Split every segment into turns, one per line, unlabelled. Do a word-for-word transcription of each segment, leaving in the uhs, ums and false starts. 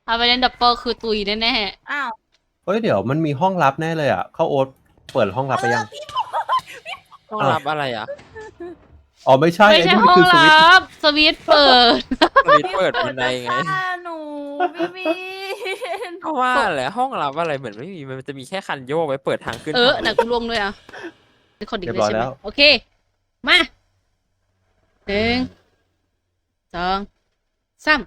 เอาไปเล่นดับเบิลคือตุยแน่
อ้าว
เฮ้ยเดี๋ยวมันมีห้องลับแน่เลยอ่ะเข้าโอ๊ตเปิดห้องลับไปยัง
ห้องรับอะไรอ่ะ
อ๋อไม่ใช่
ๆไม่
ไอ้
ใช่
นี่
ห้
มัน
อง
คือสวิตช์
ลับสวิตช์เปิด
สวิตช์เปิดบันไดไง
จะฆ่าหนูพี่บิน
ก็ว่าแหละห้องรับอะไรเหมือนไม่มีมันจะมีแค่คันโยกไว้เปิดทางขึ้น
เออ
ทาง
หนักกูลวงด้วยอ่ะเป็นคนดีเลยใช่ไหมโอเค มาหนึ่งสองสาม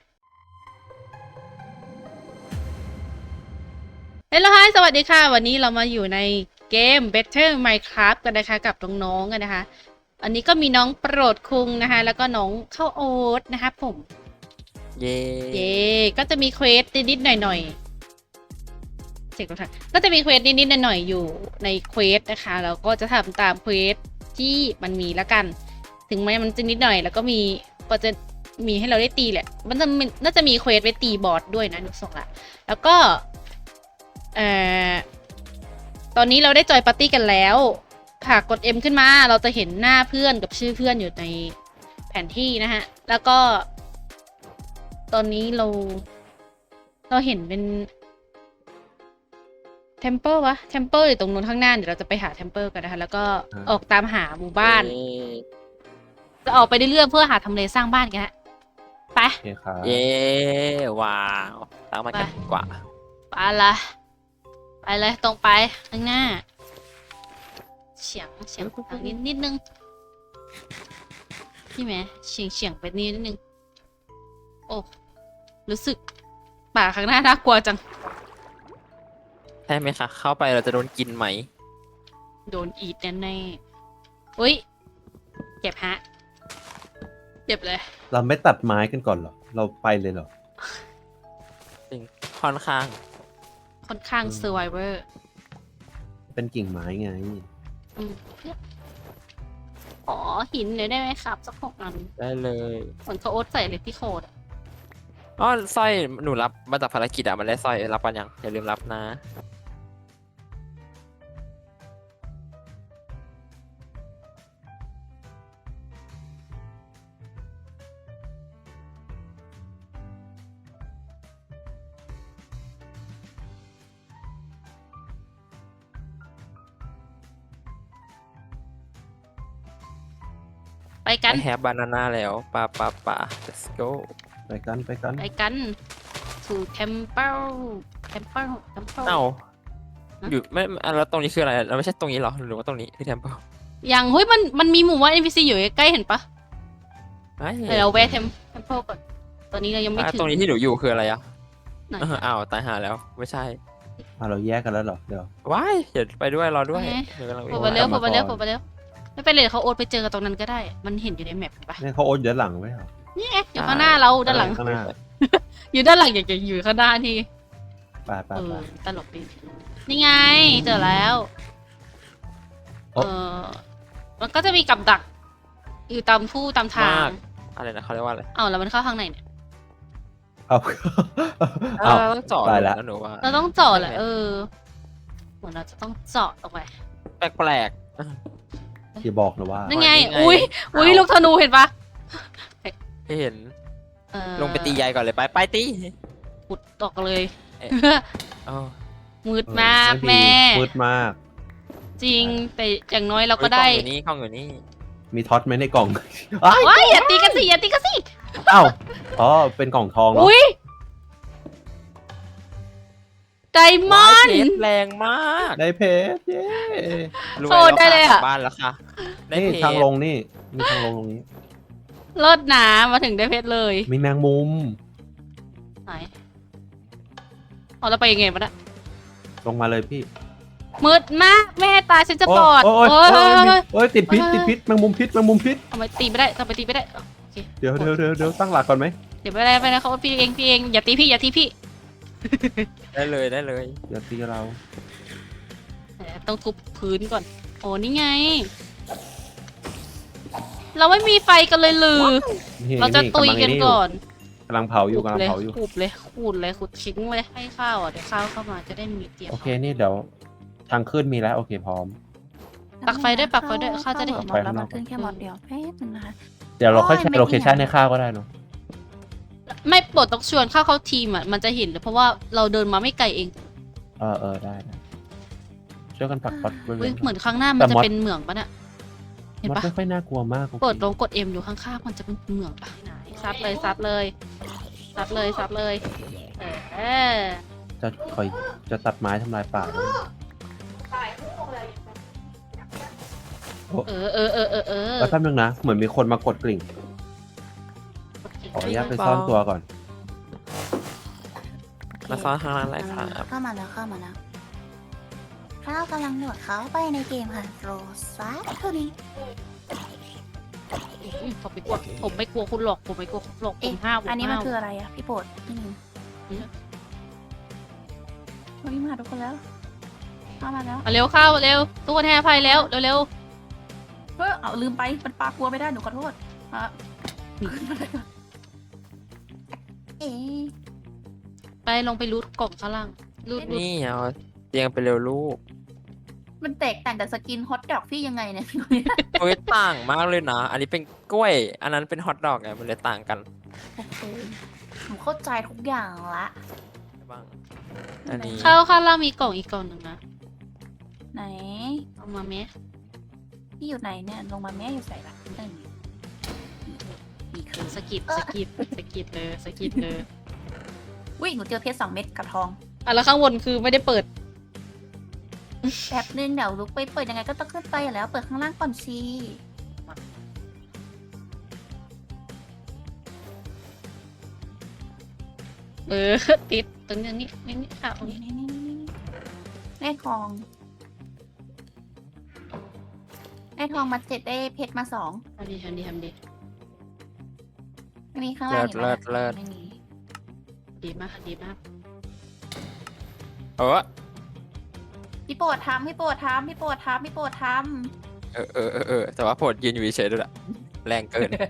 เฮ้ยแล้วฮายสวัสดีค่ะ วันนี้เรามาอยู่ในเกม Better Minecraft กันนะคะกับน้องๆกันนะคะ อันนี้ก็มีน้องโปรดคุงนะคะ แล้วก็น้องข้าวโอ๊ตนะคะผม
เย่
เย่ก็จะมีเควสนิดๆหน่อยๆเช็คดูค่ะก็จะมีเควสนิดๆหน่อยๆอยู่ในเควสนะคะแล้วก็จะทำตามเควสที่มันมีแล้วกัน ถึงแม้มันจะนิดหน่อย แล้วก็มีก็จะมีให้เราได้ตีแหละ มันจะมีน่าจะมีเควสไว้ตีบอสด้วยนะหนูส่งละแล้วก็เอ่อตอนนี้เราได้จอยปาร์ตี้กันแล้วหากกด M ขึ้นมาเราจะเห็นหน้าเพื่อนกับชื่อเพื่อนอยู่ในแผนที่นะฮะแล้วก็ ตอนนี้เรา เราเห็นเป็นเทมเ p ิลวะเทมเ p ิลอยู่ตรงนู้นข้างหน้าเดี๋ยวเราจะไปหาเทมเ p ิลกันนะคะ แล้วก็ออกตามหาหมู่บ้าน
เย่
จะออกไปเรื่อยๆเพื่อหาทำเลสร้างบ้านกันฮะไป
โอเคครับ
เย่ว้าวตามมากันดีกว่า
ไปละไปเลยตรงไปข้างหน้า เฉียงเฉียงทางนิดนิดนึงพี่แม่เฉียงเฉียงไปนิดนึงโอ้รู้สึกป่าข้างหน้าน่ากลัวจัง
ใช่ไหมคะเข้าไปเราจะโดนกินไหม
โดนอีดแน่ๆอุ้ยเจ็บฮะเจ็บเลย
เราไม่ตัดไม้กันก่อนเหรอเราไปเลยเหรอ
จริงค่อนข้าง
ค่อนข้าง
อืม
เซอร์ไวเวอร์
เป็นกิ่งไม้ไง
เพื่อขอหินหน่อยได้ไหมครับสักหกอัน
ได้เลย
เหมือนเขาโอ๊ตใส่เลยที่โคดอะ
อ๋อสร้อยหนูรับมาจากภารกิจอะมันได้สร้อยรับกันยังอย่าลืมรับนะ
ไปกัน
I have banana แล้วปะปะปะ let's go
ไปกันไปกัน
ไปกันสู่เทมเปิลเทมเปิลเทมเปิล
เอ้า
ฮะ
อยู่ไม่อ่ะแล้วตรงนี้คืออะไรเราไม่ใช่ตรงนี้เหรอหรือว่าตรงนี้ที่ temple
อย่างเฮ้ยมันมันมีหมู่ว่าน เอ็น พี ซี อยู่ใกล้ๆเห็นปะ
ไอ้
เดี๋ยวเราแวะเทมเทมเปิลก่อนตอนนี้เรายังไม่
อ่ะ
ถึง
ตรงนี้ที่หนูอยู่คืออะไรอ่ะ
ไหน
เอออ้าวตายหาแล้วไม่ใช่
อ่ะเราแยกกันแล้วเหรอเดี๋ยว
ว้ายเดี๋ยวไปด้วยรอด้วยเดี๋ยวกำลัง
โผ
วิ่
ล่
ง
ไปเร็ว
ก
โผ
ลั
ล่
บ
ไป
มา
เร็ว
ก่อน
โผล่ไปเร็วไม่เป็นไรเขาโอ๊ตไปเจอกันตรงนั้นก็ได้ มันเห็นอยู่ในแมปเห็นปะ
เนี่ยเขาโอ๊ตอยู่ด้านหลังไว้เหรอ
นี่ไงอยู่ข้างหน้าเราด้านหลัง
ข้างหน้า
อยู่ด้านหลังอยากจะอยู่ข้างหน้าที่
ไปไป
เอ
ไป
อตลกดีนี่ไงเจอแล้ว เอ
โอ๊ะ
อมันก็จะมีกับดัก อยู่ตามผู้ตามทาม
าง กอะไรนะเขาเรียกว่าอะไร
เอาแล้วมันเข้าข้างในเนี่ย
เอา
เอ
เอา
อต้องเจาะ
ตายละ
แล้วหนูว่า
เราต้องเจาะแหละเออเหมือนเราจะต้องเจาะออกไป
แปลก
อย่าบอกนะว่า
นั่นไง
นี่ไง
อุ้ยอุ้ย
เอา
ลูกธนูเห็นปะ
ๆที่เห็น
เออ
ลงไปตียายก่อนเลยไปไปตี
ขุดออกเลย
อ๋อ
มืด
เออ
มาก
ไดี
แม่
มืดมาก
จริง แต่อย่างน้อยเราก็ได้
กล้องอยู่นี่กล้องอยู่นี่
มีท็อตไหมในกล่อง อ้าย
ว้ายอย่าตีกันสิอย่าตีกันสิ
อ้าวอ๋อเป็นกล่องทองเนาะ
อุ้ยไดมอ
ว้าย
น
เพช
ด์
รแรงมาก
ได้เพชรเย้
รวย
โชว์
แล้ว
ได้เลย
ค่ะ
อะ
กลับบ้านแล้วค่ะได้
นี่
เพช
ทางล
รง
นี่มีทางลงตรงนี้
เลิศหนามาถึงได้เพชรเลย
มีแมงมุม
ไหนเอาเราไปยังไงวะเนะ
ลงมาเลยพี่
มืดมากแม่ตายฉันจะบอด
โอ้ย
โอ้
โอ้
ย
ย
เฮ้ย
โอ้ยโอ้ยติดพิษ
เฮ้ย
ติดพิษแมงมุมพิษแมงมุมพิษ
ทำไมตีไม่ได้ทำไมตีไม่ได้โอเค
เดี๋ยวเดี๋ยวเดี๋ยวเดี๋ยวตั้งหลักก่อนไหม
เดี๋ยวไม่ได้ไม่ได้เขาพี่เองพี่เองอย่าตีพี่อย่าตีพี่
ได้เลยได้เลย
อย่าตีเรา
ต้องทุบพื้นก่อนโอ้นี่ไง เราไม่มีไฟกันเลยหรือ
นี่
เราจะ
นี่
ตุยกันก่อน
กำลังเผาอยู่กำลัง
เลย
เผาอยู่
ขูดเลยขูดเลยขูดทิ้งเลยให้ข้าวอ่ะเดี๋ยวข้าวเข้ามาจะได้มีเตรียม
โอเคนี่เดี๋ยวทางขึ้นมีแล้วโอเคพร้อม
ปักไฟด้วยปักไฟด้วยข้าวจะได้เห็น
ปักไฟ
แล้ว
ข้างน
มั
อน ก
ขึ้นแค่หมดเดียวแป๊บนึงนะคะ
เดี๋ยวเราค่อย
โอ้ย
ใช้
ไม่
โลเคชัน
เอียง
ให้ข้าวก็ได้เนาะ
ไม่ปลดต้องชวนเข้าเข้าทีมอ่ะมันจะเห็นเลยเพราะว่าเราเดินมาไม่ไกลเอง
เออเออได้ได้ช่วยกันปักปัดบริเว
เฮ้ย
ณ
เหมือนข้างหน้ามัน
แต่
จะ
มอส
เป็นเหมืองปะเนี่ยเห็น
มัน
ปะ
ไม่ค่อยน่ากลัวมาก
กดลงกดเอ็มอยู่ข้างๆมันจะเป็นเหมืองปะซัดเลยซัดเลยซัดเลยซัดเลยเออ
จะคอยจะตัดไม้ทำลายป่าด้วย
เออเออเออเออเออ
แล้วแป๊บนึงนะเหมือนมีคนมากดกลิ่งขออนุญาตไปซ่อนตัวก่อน
มาซ้อนข้างล่างเลยครับ
เข้ามาแล้วเข้ามาแล้วข้าวกำลังหนวดเขาไปในเกมค่ะโรซ่าเท่านี้
อุ๊ยผมไม่กลัวผมไม่กลัวคุณหรอกผมไม่กลัวคุณหรอกผ
เอ๊ะ
มห้าวผ
อันนี้มัน
ห้าว
คืออะไรอะพี่โปรดพี่นิว
อืม
เฮ้ยมาทุกคนแล้วเข้ามาแล้ว
เอาเร็วเข้าเร็วทุกคนให้อภัยแล้วเร็ว
เฮ้ยเอาลืมไปมันปลากลัวไม่ได้หนูขอโทษอ่ะเอ๊ะ
ๆไปลงไปรูดกล่องข้างล่างรูดรูด
นี่เอาเตียงไปเร็วลูก
มันแตกต่างจากสกินฮอตดอกพี่ยังไงเนี่ย
เฮ้ยต่างมากเลยนะ อันนี้เป็นกล้วย อันนั้นเป็นฮอทดอกไงมันเลยต่างกัน
โอเคผมเข้าใจทุกอย่างละ
บ้างอันนี้
เข้าข้างล่างมีกล่องอีกกล่องหนึ่งนะ
ไหน
เอามาไหม
พี่อยู่ไหนเนี่ยลงมาแม่อยู่ใส่ละเอ้ยนี่คือ
สกิปสกิปสกิปเลยสกิปเลย
อุ้ยหนูเจอเพชรสองเม็ดกับทอง
อ่ะแล้วข้างบนคือไม่ได้เปิด
แป๊บนึงเดี๋ยวลุกไปเปิดยังไงก็ต้องขึ้นไปอยู่แล้ว เปิดข้างล่างก่อนสิ
เออติดตรงนี้นี่นี่นี่ค่ะตรง
นี่
นี้
นี่นี่นี่ได้ทอง ได้ทองมาเจ็ดได้เพชรมาสอง
ทำดีทำดีทำดี
อันนี้ข้างล่างเห็นไหม
เลิศเลิศ
ไม่มี
ดีมากดีมาก
เออ
พี่โปรดทำพี่โปรดทำพี่โปรดทำพี่โปรดท
เออเออเออเออแต่ว่าโผดยืนอยู่เฉยๆด้วยแหละแรงเกิน
ำ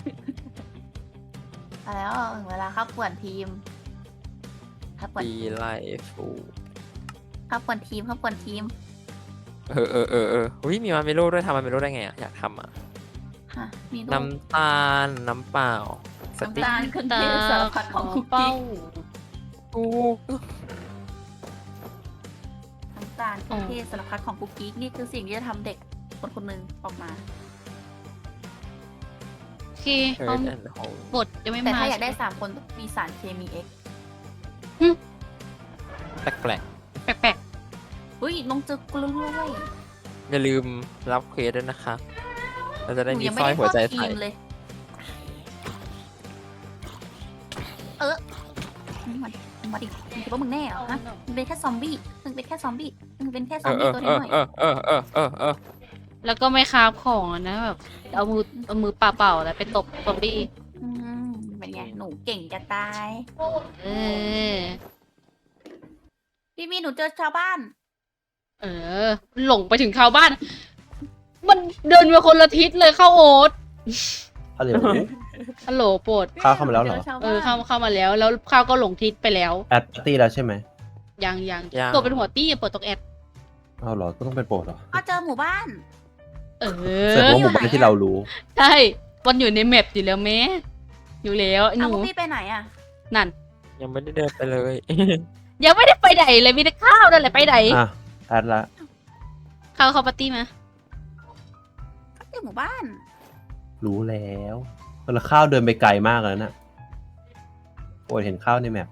มาแล้วถึงเวลาเข้าป่วนทีมเข้าป่วน
ปีไลฟู
เข้าป่วนทีมเข้าป่วนทีม
เออเออเออเอออุ้ยมีมาเมโลด้วยทำมาเมโลได้ไงอ่ะ อยากทำอ่ะ
ฮะมีลูก
น้ำตาล น้ำเปล่า สติ๊ก
น้ำตาลเครื่องเทศสารพัดของคุก
เป้า
กี้
กู
น้ำตาลเครื่องเทศสารพัดของคุกกี้นี่คือสิ่งที่จะทำเด็กคนคนหนึ่งออกมา
โอเค
เฮิ
ห้อ
ร์
ง
ดแอนด์โฮม
บทยังไม่
แต่
มา
ถ้าอยากได้สามคนต้องมีสารเคมีเอ็ก
แปลก
แปลก
เฮ้ยลงเจอกล้วย
ๆอย่าลืมรับเควสด้วยนะคะ เราจะ
ห
ได้
นู
มี
ยัง
ส
ไม่
ร้อย
ได้
หัวใจ
เข้าที
ใส่
มเลย เออมาดิมาดิมึงคิดว่ามึงแน่เหรอฮะมึงเป็นแค่ซอมบี้มึงเป็นแค่ซอมบี้มึงเป็นแค่ซ
เอ
อม
อเอ
บี้
อ
ตัว
เอ
น้
อ
อย
เออเออเออเออเออ
ๆแล้วก็ไม่คาบของอะนะแบบเอามือเอามือเปล่าๆแล้วไปตบซอมบี้
อืมเป็นไงหนูเก่งจะตาย
เออ
พี่มีหนูเจอชาวบ้าน
เออ หลงไปถึงชาวบ้าน มันเดินมาคนละทิศเลยเข้าโอ๊ต
ฮัลโหล
ฮัลโหลโปรด
ข้าวเข้ามาแล้วเหรอ
จช
เอ
บ้าน
อเข้าเข้ามาแล้ว แล้วข้าวก็หลงทิศไปแล้ว
แอดปาร์ตี้แล้วใช่ไหม
ยังยังตัวเป็นหัวตี้อย่าเปิดตกแอด
เอาเหรอก็ต้องเป็นโปรดเหรอ
ก็เจอหมู่บ้าน
เอ
เสร็จ
อ
ว่าหมู่บ้านที่เรารู้
ใช่ มันอยู่ในแมปอยู่แล้วแม่อยู่แล้วห
เอา
นู
พวกพี่ไปไหนอ่ะ
นั่น
ยังไม่ได้เดินไปเลย
ยังไม่ได้ไปไหนเลยมีแต่ข้าวนั่นแหละไปไหน
อ่ะแอดละ
ข้าวเข้าปาร์ตี้มา
ก็เจอหมู่บ้าน
รู้แล้วแล้วข้าวเดินไปไกลมากแล้วน่ะโปรดเห็นข้าวในแมป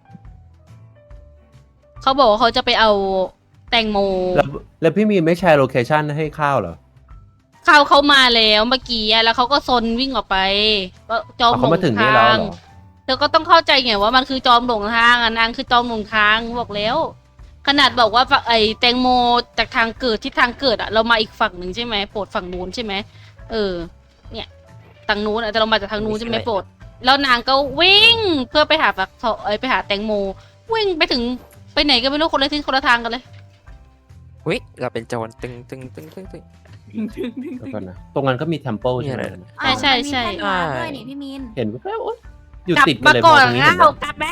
เขาบอกว่าเขาจะไปเอาแตงโม
แล้วแล้วพี่มีนไม่แชร์โลเคชั่นให้ข้าวเหรอ
ข้าวเขามาแล้วเมื่อกี้อะแล้วเขาก็ซนวิ่งออกไปก็จอม
เอา
หล
เขา
ง
มาถึงนี่
ทา
แล้ว
ง
เหรอ
เธอก็ต้องเข้าใจไงว่ามันคือจอมหลงทางอ่ะนางคือจอมหลงทางบอกแล้ว ขนาดบอกว่าไอ้แตงโมจากทางเกิดที่ทางเกิดอ่ะเรามาอีกฝั่งหนึ่งใช่ไหมโปรดฝั่งนู้นใช่ไหมเออ เนี่ยทางนู้นอะแต่เรามาจากทางนู้นใช่ไหมโปรดแล้วนางก็วิ่งเพื่อไปหาฝักทองเอ้ยไปหาแตงโม วิ่งไปถึงไปไหนก็ไม่รู้คนละทิศคนละทางกันเลย
วิเราเป็นโจรตึงตึงตึงตึงตึง
เดี๋ยวก่อนนะตรงนั้นก็มีเทมเพิลใช่ไหม
มีอะไร
ใช่ใช่ใช่
มีแท่นวาร์ปด้วยนี่พี่มิน
เห็นแว๊บๆโอ๊ยอยู่
กลับ
ติดกั
มาน
เลย
ก่อน
มงตรงนี้
แล้
เห็นไหม
วกลับมา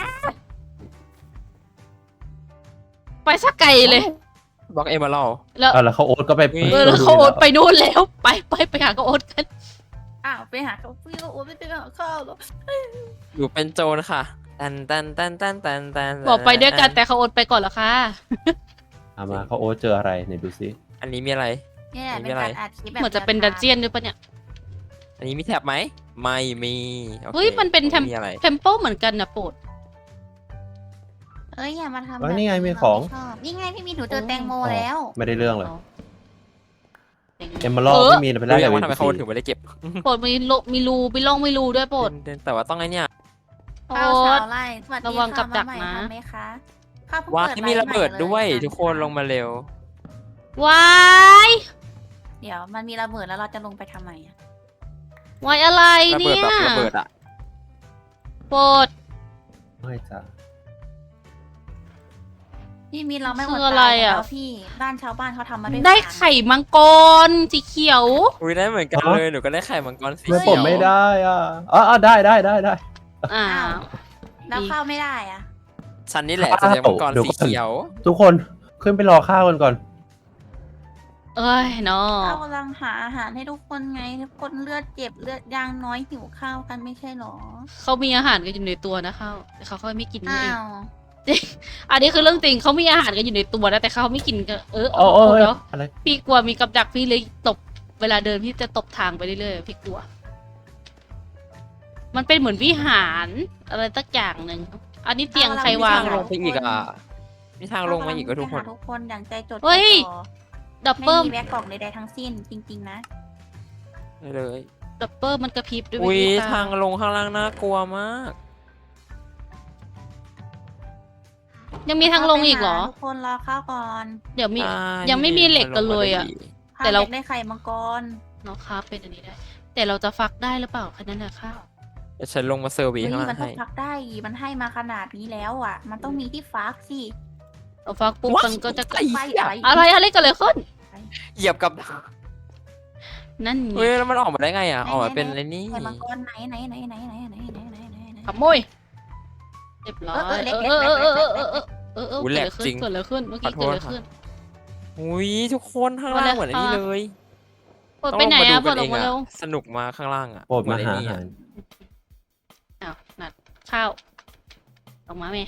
ไปสักไกลเลย
บล็อกเอเมอรัล
แล้ว
อ่ะแล้วเขาโอ๊ตก็ไป
เอ
เออแล้วเขาโอ๊ตไปนู่นแล้ว ไปไปไปหาเขาโอ๊ตกัน
อ้าวไปหาเขาพี่ก็โอ้ไม่ไปหาข้าวหรอก
อยู่เป็นโจรค่ะตันตันตันตันตันตัน
บอกไปด้วยกันแต่เขาโอนไปก่อนเหรอคะ
เอามาเขาโอ๊ตเจออะไรไหนดูซิ
อันนี้มีอะไร
เนี่ย
ไม่
เป็น
เป็นไร
การอัดคลิปแบบ
เหมือนจะเป็นดันเจียนด้วยปะเนี่ย
อันนี้มีแท็บไหมไม่มีโอค
เฮ้ยมันเป็นแทม
มีอะไร
เทมเปิลเหมือนกันนะโปรด
เอ้ยอย่ามาทำ
เอ้ย
แบบ
นี่ไงมีของ
เราไม่ชอบนี่ไงพี่มีหนูเจอแตงโมแล้ว
ไม่ได้เรื่องเลย
อ๋อ
เอมเมอรัล
เออ
ไม่มีไป
รู้
ได้
ยั
แต่
ง
วี
ว่าทำไม
พี
เขา
ซี
ถึงไม่ได้เก็บ
โปรดมีรูมีรูมีร่องมีรูด้วยโปรด
เดินแต่ว่าต้องไอ้เนี่ย
โปร
ข้าวสา
ด
วไร่สวัสดี
ระวังกับดัก
ค่
นะ
มาใหม่ทำไหมคะข้าวเพิ่ง
ว่า
เปิด
ที่มีระเบิด
ไลฟ์ใหม่
ด้วย
เลย
ทุกคนลงมาเร็ว
วาย
เดี๋ยวมันมีระเบิดแล้วเราจะลงไปทำไมอะ
วายอะไร
ระเบิ
เนี่
ด
ย
แบบระเบิดอ่ะ
โปรด
ไม่จ้ะ
พี่มีเราไม่
คือ
ด
อะไร
ตาย
อะ
แล้วพี่บ้านชาวบ้านเขาทำมาด้วย
ได้
ฟาง
ไข่มังกรสีเขียว
อุ้ยได้เหมือนกันเลยหนูก็ได้ไข่มังกรสี
ไม่
เขี
ผ
ยว
มไม่ได้อ่ะอ๋ออ๋อได้ได้ได้ได้
อ่า
อ้าวแล้วข้าวไม่ได้อะ
ฉันนี่แหละจะได้มังกร
เดี๋ยว
สี
ก่อน
เขียว
ทุกคนขึ้นไปรอข้าวกันก่อน
เอ้ยเนาะ
ข้าวกำลังหาอาหารให้ทุกคนไงทุกคนเลือดเจ็บเลือดยางน้อยหิวข้าวกันไม่ใช่หรอ
เขามีอาหารกันอยู่ในตัวนะเขาแต่เขาค่อยไม่กินนี่
อ้า
เอง
ว
อันนี้คือเรื่องจริงเขามีอาหารกันอยู่ในตัวนะแต่เขาไม่กินกันเออ
โอ้โอ้
เนาะ
อะไร
พี่กลัวมีกับดักพี่เลยตบเวลาเดินพี่จะตบทางไปเรื่อยๆพี่กลัว มันเป็นเหมือนวิหารอะไรสักอย่างหนึ่งอันนี้เตียงใครวาง
ทาง
ล
ล
ง
งไปอีกอ่ะมีทางลงมาอีกก็ทุกคน
ไปหาทุกคนอย่างใจจด
เฮ้ย
ใจจ่อ
ดับ
ไม่
เบิล
มีแบ็กกล่องใดๆทั้งสิ้นจริงๆนะ
ได้เลย
ดับเบิลมันกระพริบด้วย
อุ้ย
วิธี
ทางลงข้างล่างน่ากลัวมาก
ยังมีทางลงอีกเหรอ
ทุกคนรอข้าวก่อน
เดี๋ยวมี
อ่า
ยังไม่มีเหล็กกันเลยอะ แต่
ข้าว
เรา
อยากได้ไข่มังกร
เนาะครับเป็นอันนี้ได้ แต่เราจะฟักได้หรือเปล่าแค่นั้นนะข้าว
เดี๋ยวฉันลงมาเซอร์วี
เฮ้ย
ข้างล่า
มัน
ง
ต้อ
ให้
งพักได้อีมันให้มาขนาดนี้แล้วอ่ะ มันต้องมีที่ฟักสิ
เราฟักปุ๊บมันก็จะ
ไอ้
ไป
เหี้ย
อะไร
อะไรอะไรกันเลยขึ้น
เหยียบกับ
นั่นไง
เฮ้ยแล้วมันออกมาได้ไงอ่ะออกมาเป็นอะไรนี่
ไข่มังกรไหนไหนไหนไหนไหนไหนไหนไหนไหนไหน
ขโมยเรียบร้อย
เออเออเล็ก
เออเออเออเออเออเออเออเออ
อุ๊ย
เกิ
แหล
ด
ก
อะไร
จริ
ขึ้น
ง
เกิดอะไรขึ้นเมื่อกี้
ขอโท
เกิด
ษ
อะไรขึ้น
อุ้ยทุกคนข้างล่างเหมือนอันนี้เลย
ปลดไปไหนอะปลดออกมา
ต้
เร็
ง
ว
ลงมาดูกันเองอะสนุกมาข้างล่างอ่ะ
โปรดมา
เห
หา
อน
อา
ไอ้นี่
หา
อะ
ร
อ้าวนัดข้าวออกมาไหม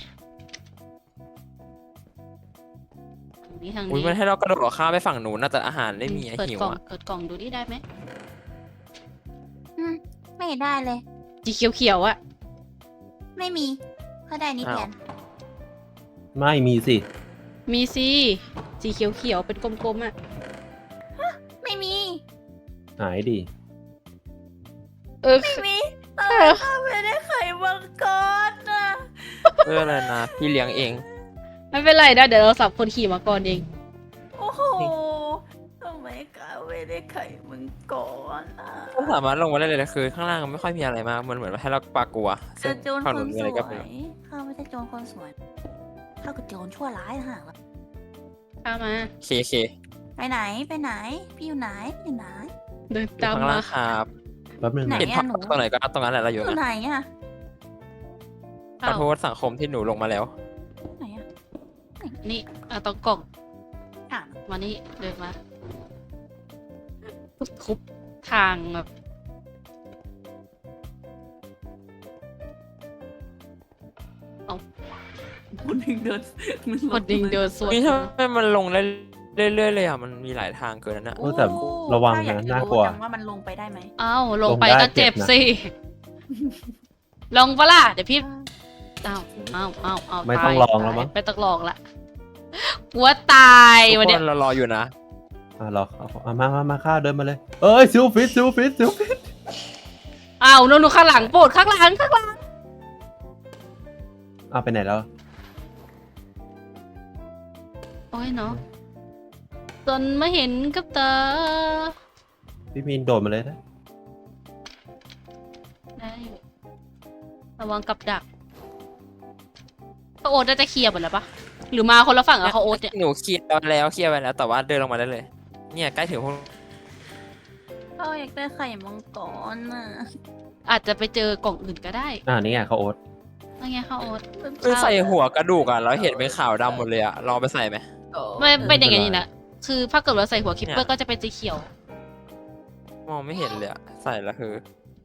ทางนี้ทาง
อุ้ย
นี้
มันให้เรากระโดดข้ามไปฝั่งนู้นน่าจะอาหารไม่มีอะ
เปิด
หิว
กล่อง
อ่ะ
เปิดกล่องดูนี่ได้ไหม
อืมไม่ได้เลย
สีเขียวเขียวๆอะ
ไม่มีก็ได้นี่แทน
ไม่มีสิ
มีสิสีเขียวเขียวๆเป็นกลมๆอะ
ไม่มี
หายดิ
เออ
ไม่มี
เอ
เอ
อ
อไม่ได้ไข่มังกรนะ
เอออะไรนะพี่เลี้ยงเอง
ไม่เป็นไรนะเดี๋ยวเราสับคนขี่มาก่อนเอง
โอ้โหทำไมกาไม่ได้ไข่มังกรอ่ะ
ก็สามารถลงมาได้เลยนะคือข้างล่างมันไม่ค่อยมีอะไรมากมันเหมือนว่าให้เราปลากลัว
เจ
ซึ่
อง โจร
ฝั่ง
ค
นู้
น
นมี
ส
อะไร
ว
ก็ไม่
ย
รู้
ข้าไม่ใช่โจรคนสวยข้าคือโจรชั่วร้ายนะฮะ
ข้ามมา
เคเค
ไปไหนไปไหน พี่อยู่ไหนอยู่ไหน
เดิน
อยู่
ตาม
ข้าง
มา
ล่างครับ
แป๊บนึง
ไหน
นะ
เห็นภาพตรงไหนก็ตรงนั้นแหละเราอยู่
อยู่
นะ
ไหนอ่ะ
ขอโทษสังคมที่หนูลงมาแล้ว
ไหนอ่ะ
นี่เอาตรงกล่อง
ถาม
มานี่เดินมาทุบทางแบบเอา
คนหนึ่งเดิน
คนดิงเดินสวน
นี่ทำไมมันลงได้เรื่อยๆเลยอ่ะมันมีหลายทางเกินนั่นนะ
โอ้แต่ระวังนะน่ากลัว
จังว่ามันลงไปได้ไหม
อ้าวลงไป
ลงได้
ก็เจ็บ
เจ็บนะ
สิลงปะล่ะเดี๋ยวพี่อ้าวอ้าวอ้าวอ้าว
ไม่ต้อง
ตาย
ลองแล้วมั้ง
ไม่ต้องลองละหัวตาย
ทุก
วัน
ค
เนี้ย
นเรารออยู่นะ
อ่ะรอเอาเอามามามาข้าวเดินมาเลย เอ้ยซิลฟิตซิลฟิตซิลฟิต
อ้าวนู่นๆข้างหลังโปรดข้างหลังข้างหลัง
เอาไปไหนแล้ว
โอ้ยเนาะจนไม่เห็นกับตา
พี่มีนโดดมาเลยนะ
ได้อยู่ระวังกับดักเขาโอ๊ตน่าจะเคลียร์หมดแล้วปะหรือมาคนละฝั่งอะเขาโอ๊ตเนี่ย
หนูเคลียร์ไปแล้วเคลียร์ไปแล้วแต่ว่าเดินลงมาได้เลย เนี่ยใกล้ถึงพวก
ก็อยากได้ไข่มังกรน่ะ
อาจจะไปเจอกล่องอื่นก็ได้
อ่านี่ไงเขาโอ๊ต
ว่าไงเขาโอ๊ต
คือใส่หัวกระดูกอ่ะเราเห็นเป็นขาวดำหมดเลยอ่ะลองไปใส่ไหม
ไม่เป็นอย่างนี้นะคือถ้าเกิดเราใส่หัวคิปเปอร์ก็จะเป็นสีเขียว
มองไม่เห็นเลยอะใส่แล้วคือ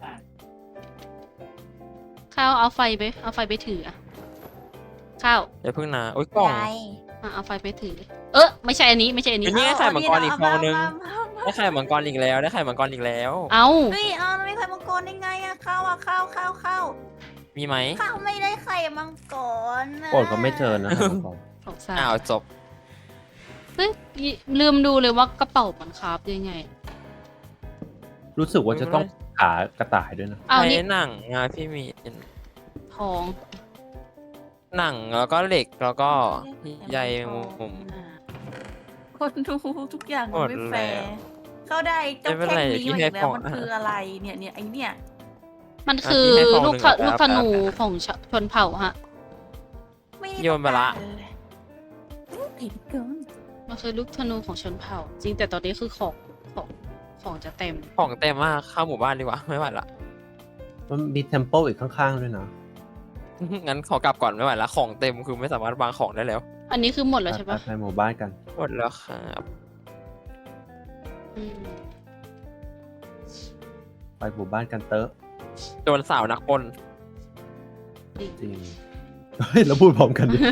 ข้าวเอาไฟไปเอาไฟไปถืออะข้าว
อย่าเพิ่งนะโอ้ยกล่อง
ยาย
อ่ะเอาไฟไปถือ เออไม่ใช่อันนี้ไม่ใช่อันนี้
อันนี้ ไงไข่มังกรอีกฟองนึง
เามามามา
ได้ไข่มังกรอีกแล้วได้ไข่มังกรอีกแล้ว
เอา
เฮ้ยเอาแล้วไม่ไข่มังกรได้ไงอะข้าวอะข้าวข้าวข้าว
มีไหม
ข้าวไม่ได้ไข่มังกรนะ
โปรดก็ไม่เจอนะครับผม
สงสาร
อ้าวจบ
เฮ้ยลืมดูเลยว่ากระเป๋ามันคราฟยังไง
รู้สึกว่าจะต้องขากระต่ายด้วยนะ
เอา
ใช้
นี่
หนังงาพี่มี
ทอง
หนังแล้วก็เหล็กแล้วก็ใยมุม
คนดูทุกอย่าง
หมด
ไม่แฟร์
แล้ว
เขาได้เจ้า
ไม่เป็น
แค่
ไร
นี้
พี่
มา
ให้
อีกแล้ว
ของ
มันคืออะไรเนี่ยเนี่ยไอเนี่ย
มันคือ
พี่ให้ทอง
ลูก
หนึ่ง
ธลูกธนู
แป๊บ
ของชชนเผ่าฮะ
ไม่ได้
โยนไปละ
ต้องการเลยผิดเกิน
มันคือลูกธนูของชนเผ่า จริงแต่ตอนนี้คือของของของจะเต็ม
ของเต็มมากเข้าหมู่บ้านดีกว่าไม่ไหวละ
มันมีเทมเพิลอีกข้างๆด้วยนะ
งั้นขอกลับก่อนไม่ไหวละของเต็มคือไม่สามารถวางของได้แล้ว
อันนี้คือหมดแล้วใช่ปะ
ไปหมู่บ้านกัน
หมดแล้วครับ
อืม
ไปหมู่บ้านกันเตอะ
โดนสาวนักปน
ดี
จริงเฮ้ยแล้วพูดพร้อมกันดิ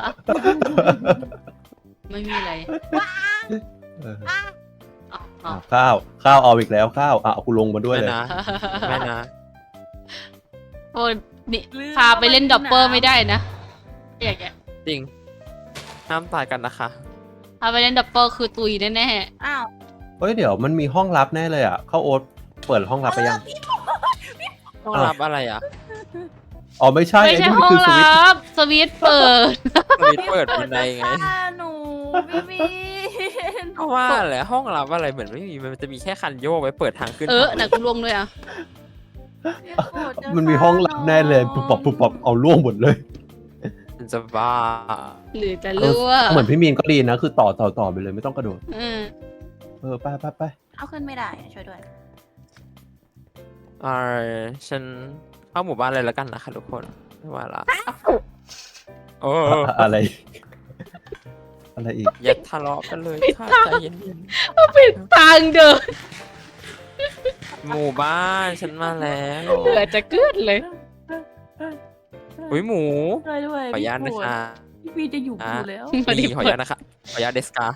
ไม่มีอะไร
เออ
อ๋ออ๋อ
อ่ะข้าวข้าวเอาอีกแล้วข้าวอ่ะเอากูลงมาด้วย
ไม่
เลย
นะไม่นะ
โอ้ยนี่
ลืม
พาไปเล่น
ว่า
ดับเบิล
มัน
ไม่ได้นะอย่างเงี้ย
จริงห้ามตายกันนะคะ
พาไปเล่นดับเบิลคือตุยแน่
อ้าว
เฮ้ยเดี๋ยวมันมีห้องลับแน่เลยอ่ะเข้าโอ๊ตเปิดห้องลับไปยัง
ต้องรับอะไรอ่ะ
อ๋อไม่ใช่
ๆไม่
ไอ้
ใช่
นี่มัน
ห้อง
คือสวิตช์
ลับสวิตช์เปิด
สวิตช์เปิดบันไดไง
พี่ฆ่าหนูพี่มีน
เพราะว่าแหละห้องรับอะไรเหมือนไม่มีมันจะมีแค่คันโยกไว้เปิดทางขึ้น
เออหนักกูลวงด้วยอ่ะ
พี่โกรธจะ
มันมีห้องลับแน่เลยปุบปับปุบปับเอาล่วงหมดเลย
มันจะบ้า
หรือจะ
เอ
รั่ว
อเหมือนพี่มีนก็ดีนะ คือต่อต่อต่อไปเลยไม่ต้องกระโดด
เออ
เออไปไปไป
เอาขึ้นไม่ได้อะช่วยด้วย
อ่าฉันเข้าหมู่บ้านเลยแล้วกันนะคะทุกคนไม่ว่าละโอ้
อะอะไร อะไรอีก
อย่าทะเลาะกันเลยค่ะใจเย็น
ทางเดิน
ๆหมู่บ้านฉันมาแล้ว
เหลือจะเกิดเลย
อุ้ยหมู
ช่วยด้วย
ขออนุญาต
พี่
นะ
โกรธ
คะ
พี่มีจะอยู่อยู่แล้ว
มาดิ
นี่ขออนุญาตนะคะขออนุญาตเดสกา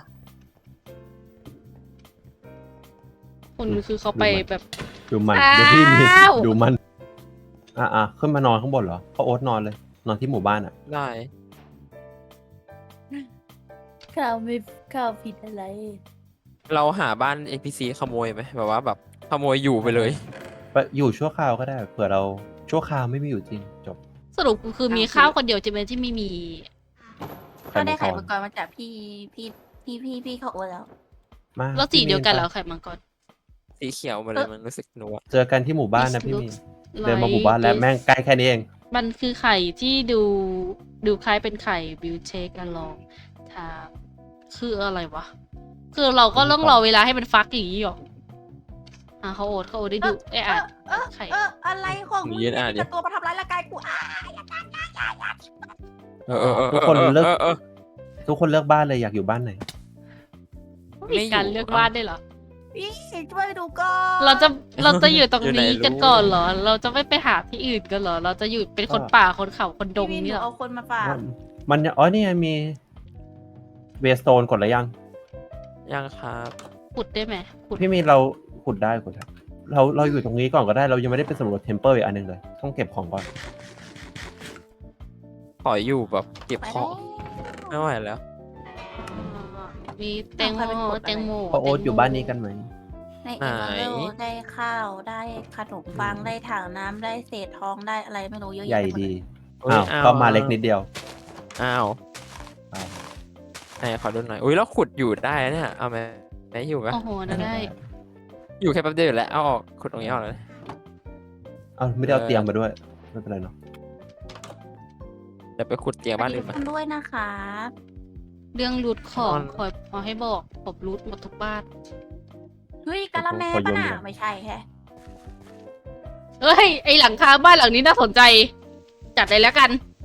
คุณคือเขาไปแบบ
ดูมัน
อ้าว
เดี๋ยวพี่มีดูมัน อ่ะอ่ะขึ้นมานอนข้างบนเหรอเขาโอ๊ตนอนเลย นอนที่หมู่บ้านอ่ะ
ได้
ข้าวไม่ข้าวผิดอะไร
เราหาบ้าน เอ็น พี ซี ขโมยไหมแบบว่าแบบขโมยอยู่ไปเลย
ไปอยู่ชั่วคราวก็ได้เผื่อเราชั่วคราวไม่มีอยู่จริงจบ
สรุปคือมีข้าวคนเดียวใช่ไหมที่ไม่มี
ก็ได้ไข่
มั
มั
ง
ง
ก
ก
ร
รมาจากพี่พี่พี่พี่พี่เขาโอนแล้ว
มา
แล้วสี
พี่
เดียวกันเหรอ
ไป
ไข่มังกร
สีเขียวมาเลยมันรู้สึกหนัว
เจอกันที่หมู่บ้านนะพี่มีน
Looks
เดินมาหมู่บ้านแล้ว
like
แม่งใกล้แค่นี้เอง
มันคือไข่ที่ดูดูคล้ายเป็นไข่บิวเชคกันลองทาคืออะไรวะ คือเราก็ต้องรอเวลาให้มันฟักอย่างนี้หรออ่ะเขาโอดเขาโอดได้ดูเอ้ยอ่ะ
เออ
ไข่
เอออะไรของมึง
ยืน
เนี่ย
อ่าน
มี
ดิ
แต่ตัวมาทำร้ายร่างกายกูอ่ะ
เออเออเออ
ทุกคนเลิก
ออออ
ทุกคนเลือกบ้านเลยอยากอยู่บ้านไหน
มีการเลือกวาดได้วยเหรอ
พี่ช่วยดูก่อน
เราจะเราจะอยู่ตรง
อยู่ไหน
นี้
รู้
กันก่อนเหรอ เราจะไม่ไปหาที่อื่นกันเหรอ เราจะอยู่เป็นคนป่าคนเขาคนดง
พี่มี
นี่
ห
เหรอ
เอาคนมาฝาก
มันยังอ๋อนี่ไงมีเวสโตนกดแล้วยัง
ยังครับ
ขุดได้ไหมขุด
พี่มีเราขุดได้ขุดได้เราเราอยู่ตรงนี้ก่อนก็ได้เรายังไม่ได้ไปสำรวจเทมเ e ลอีกอันหนึงเลย ต้องเก็บของก่อน
ขออยู่แบบเก็บ
ไป
ของ
แล้ว
ไม่ไหวแล้ว
มีแตงโมแตงโม
พอโอ๊ตอยู่บ้านนี้กันไหม
ในเอ็มเบลได้ข้าวได้ขนมปังได้ถังน้ำได้เศษทองได้อะไรไม่รู้เยอะ
ใหญ่
แยะไปมด
ดี
อุ๊ย
อ้าว
เอา
ก็มาเล็กนิดเดียว
อ้าว
อ้าว
ไหนขอดูหน่อยอุ้ยแล้วขุดอยู่ได้นะเนี่ยเอาไหมไหนอยู่ไหม
โอ้โหน่าได้
อยู่แค่แป๊บเดียวอยู่แล้วเอาออกขุดตรงนี้ออกเลย
เอาไม่ได้เอา
เออ
เตียงมาด้วย ไม่เป็นไรเนาะ
เดี๋ยวไปขุดเตียงบ้านอื่น
สวั
มา
สดีทุกคนด้วยนะคะ
เรื่องรูทของ
นอน
ขอขอให้บอกผมรูทหมดทุกบ้าน
เฮ้ยกะละแมปะน่ะไม่ใช่แฮะ
เฮ้ย ไอหลังคาบ้านหลังนี้น่าสนใจ จัดเลยแล้วกัน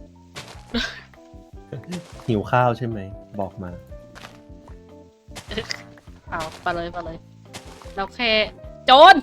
หิวข้าวใช่ไหม บอกมา
เอาไปเลยไปเลย เราแค่โจร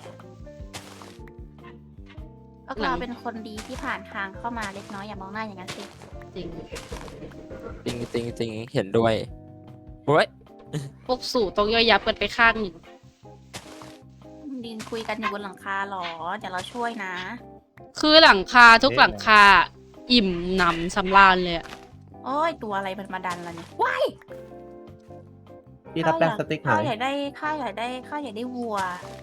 ก็
หลั
เรา
ง
เป็นคนดีที่ผ่านทางเข้ามาเล็กน้อยอย่ามองหน้าอย่างนั้นสิ
จริง
จริงจริงจริงเห็นด้วยเฮ้ย
พวกสู่ต้องย่อยยับกันไปข้างหนึ่ง
ดินคุยกันอยู่บนหลังคาหรอเดี๋ยวเราช่วยนะ
คือหลังคาทุกหลังคา อิ่มหนำสำราญเลยอะ
โอ้ยตัวอะไรมันมาดันเราเนี่ยว้าย
พี่รับแป้งสติ๊กหา
ข้าวย อยากได้ข้าวอยากได้ข้าวอยากได้วัว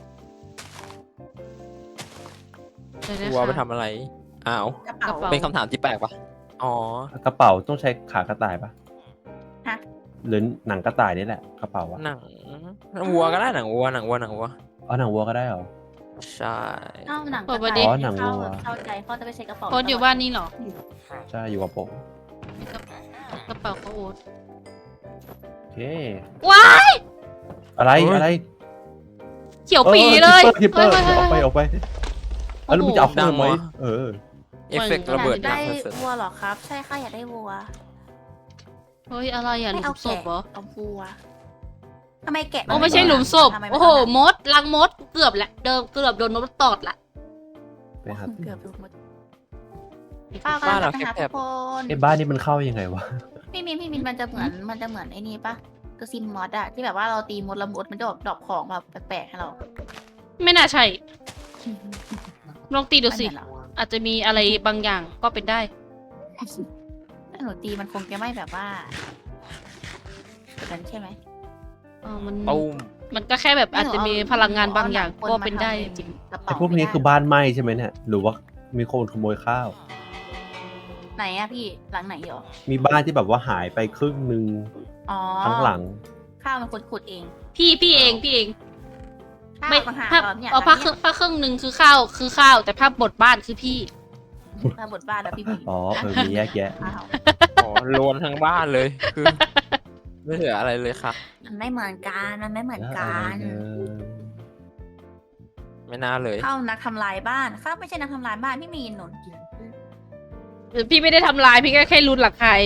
เดี๋ยวนะ
วัวไป
คะ
ทำอะไร อ้าว
กระเป๋า
กระเป๋า
เป็นคำถามที่แปลกปะอ๋อ
กระเป๋าต้องใช้ขากระต่ายปะ
ฮะ
หรือหนังกระต่ายนี่แหละกระเป๋าอะ
หนังวัวก็ได้หนังวัวหนังวัวหนังวัว
อ๋อหนังวัวก็ได้เหรอ
ใช่
ข้าวหนังก
เปิ
ระ
ดประ
ต่า
เด็
ย
น
อ๋อหนังวัว
เข้าใจพ่อจะไปใช้กระเป๋า
โพสต์อยู่บ้านนี่เหรอ
ใช่อยู่กับผม
กระเป๋าเขาโอ๊ต
โอเค
ว้าย
อะไรอะไร
เขียวปีเลย
คิปเปอร์
เฮ้ย
คิปเปอร์ออกไป
เฮ้ย
ออกไปเอาแล้วมึงจะเอาคืนไหมเออ
เอฟเฟกต์ระเบิด
อยาก
ดั
ได้
งเสร็จ
วัวเหรอครับ ใช่ข้าอยากได้วัว
เฮ้ยอะไรอ่ะห
ไม่
ลุ
เอา
มศพ
แกะ
เหรอ
เอาวัวทำไมแกะ
โอ้ไม่ใช่หลุมศพ
ทำไมน
โอ้โห
ไม่
มดลังมดเกือบละเดิมเกือบโดนมดตอดละ
ไปหา
เกือบดูหมดป้ากำ
บ้า
ลั
น
งจะ
เรา
ไปหา
แค
ทุ
บ
กคน
ไอ้บ้านนี้มันเข้ายังไงวะ
พี่มินพี่มินมันจะเหมือนมันจะเหมือนไอ้นี่ปะตัวซิมมอดอะที่แบบว่าเราตีมดละมดมันจะดรอปของแบบแปลกๆให้เรา
ไม่น่าใช่ลองตีดูสิ
ไม่เหมือนเหรอ
อาจจะมีอะไรบางอย่างก็เป็นได้
ถ้าหนูตีมันคงจะไม่แบบว่าแบบนั้นใช่ไหม
เออมัน
ๆตุ้ม
มันก็แค่แบบอาจจะมีพลังงานบางอย่างก็เป็นได้จริง
กระ
ไอ้
เป๋า
พวกนี้คือบ้านไหม้ใช่ไหมเนี่ยหรือว่ามีคนขโมยข้าว
ไหนอะพี่หลังไหนเหรอ
มีบ้านที่แบบว่าหายไปครึ่งหนึ่ง
อ๋อ
ทั้งหลัง
ข้าวมันขุดขุดเอง
พี่พี่เองพี่เอง
ข้าว
ไม่
ต่างหาก
ภาพ
เหรอเนี่ย
เอาภาคครึ่งภาคครึ่งหนึ่งคือข้าวคือข้าว แต่ภาพบทบ้านคือพี่
มาบทบ้านแล้วพี่บี
อ๋อเออมีแยกแยะ
ข้าว
อ๋อโลนทั้งบ้านเลย คือ ไม่เหลืออะไรเลยค่ะ
มันไม่เหมือนกันมันไม่เหมือนกัน
เออ
ไม่น่าเลย
ข้าวนักทำลายบ้านข้าวไม่ใช่นักทำลายบ้านพี่มีนหนุน
พี่ไม่ได้ทำลายพี่ก็แค่รุนหลักใครเอง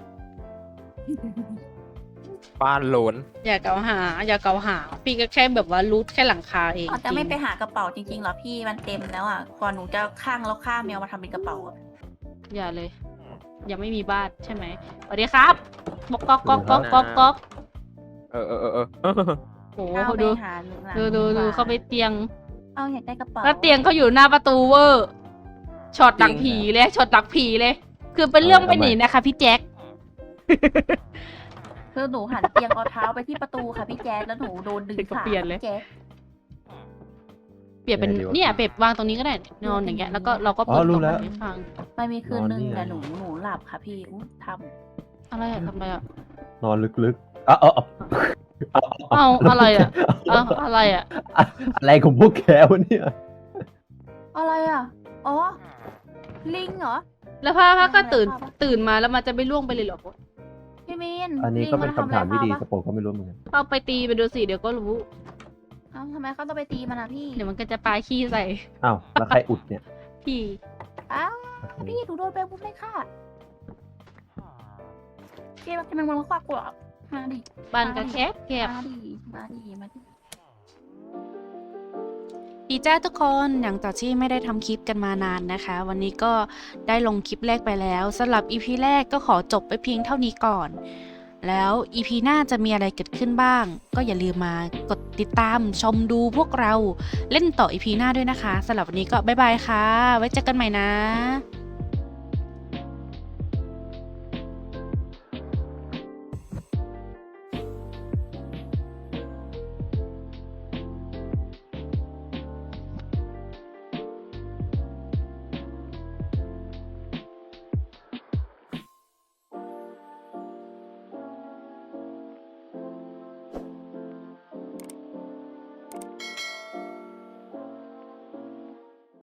บ้านโลน
อย่าเกล่าวหา อย่าเกล่าวหา พี่ก็แค่แบบว่ารูทแค่หลังคาเอง
อ๋อแต่ไม่ไป
จริง
หากระเป๋าจริงๆเหรอพี่มันเต็มแล้วอ่ะก่อนหนูจะข้างแล้วข้ามแมวมาทำเป็นกระเป๋าอะ
อย่าเลย ยังไม่มีบ้านใช่ไหมสวัสดีครับบอกก๊อกก๊อกก๊อกก๊อกก๊อก
เออเออเออเออ
โอ้
ข้าว
โห
ไป
ดู
หาหนูหลัง
ดูดูดู
บ้น
เข้าไปเตียง
เอาอยากได้กระเป๋า
แล้วเตียงเขาอยู่หน้าประตูเวอร์ช็อตหลังผีเลยช็อตหลังผีเลย คือเป็นเรื่องไม่หนีนะคะพี่แจ็ค
คือหนูหันเตียงเอาเท้าไปที่ประตูค่ะพี่แจ๊ดแล้วหนูโดนดึงขา
เปลี่ยนเลย
พี่แจ๊ด
เปลี่ยนเป็น
เดี๋ยว
เนี่ยเปลี่ยนวางตรงนี้ก็ได้นอนอย่างเงี้ยแล้วก็เราก็
อ๋
เปิ
อ
ด
รู้
กล่อง
แล้ว
ให้ฟัง
มันมีคืนหนึ่ง
นอนนี่ไง
แต่หนูหนูหลับค่ะพี่อู้ท
อะไรอะทำอะไรอะ
นอนลึกๆอ่ะเอาเอาเอา
เอาอะไรอะเอาอะไรอะ
อะไรของพวกแกวะเนี่ย
ำอะไรอ่ะอ๋อลิงเหรอ
แล้วพ่อพ่อก็ตื่น
ทำอะไรพ่อปะ
ตื่นมาแล้วมันจะไม่ล่วงไปเลยเหรอ
พี่มิน
อันนี้ก็เป็นคำถามที่ดี
ลิง
ส
นทำอะไร
ปอร์ตก็ไม่รู้เหมือนกัน
เอาไปตีไปดูสิเดี๋ยวก็รู้
เอ้าทำไมเขาต้องไปตีมันอ่ะพี่
เดี๋ยวมันก็จะปาขี้ใส่
อ้าวแล้วใครอุดเนี่ย
พี่
อ้าวพี่หนูโดนแปลงบุ้มเลยค่ะพี่ทำไมมันมาควักกูเหรอมาดิ
บ้านก็แคบแคบ
มาดิมาดิมาดิ
ดีจ้าทุกคนอย่างจากที่ไม่ได้ทำคลิปกันมานานนะคะ วันนี้ก็ได้ลงคลิปแรกไปแล้วสำหรับ อี พี แรกก็ขอจบไปเพียงเท่านี้ก่อน แล้ว อี พี หน้าจะมีอะไรเกิดขึ้นบ้าง ก็อย่าลืมมากดติดตามชมดูพวกเราเล่นต่อ อี พี หน้าด้วยนะคะสำหรับวันนี้ก็บ๊ายบายค่ะ ไว้เจอกันใหม่นะ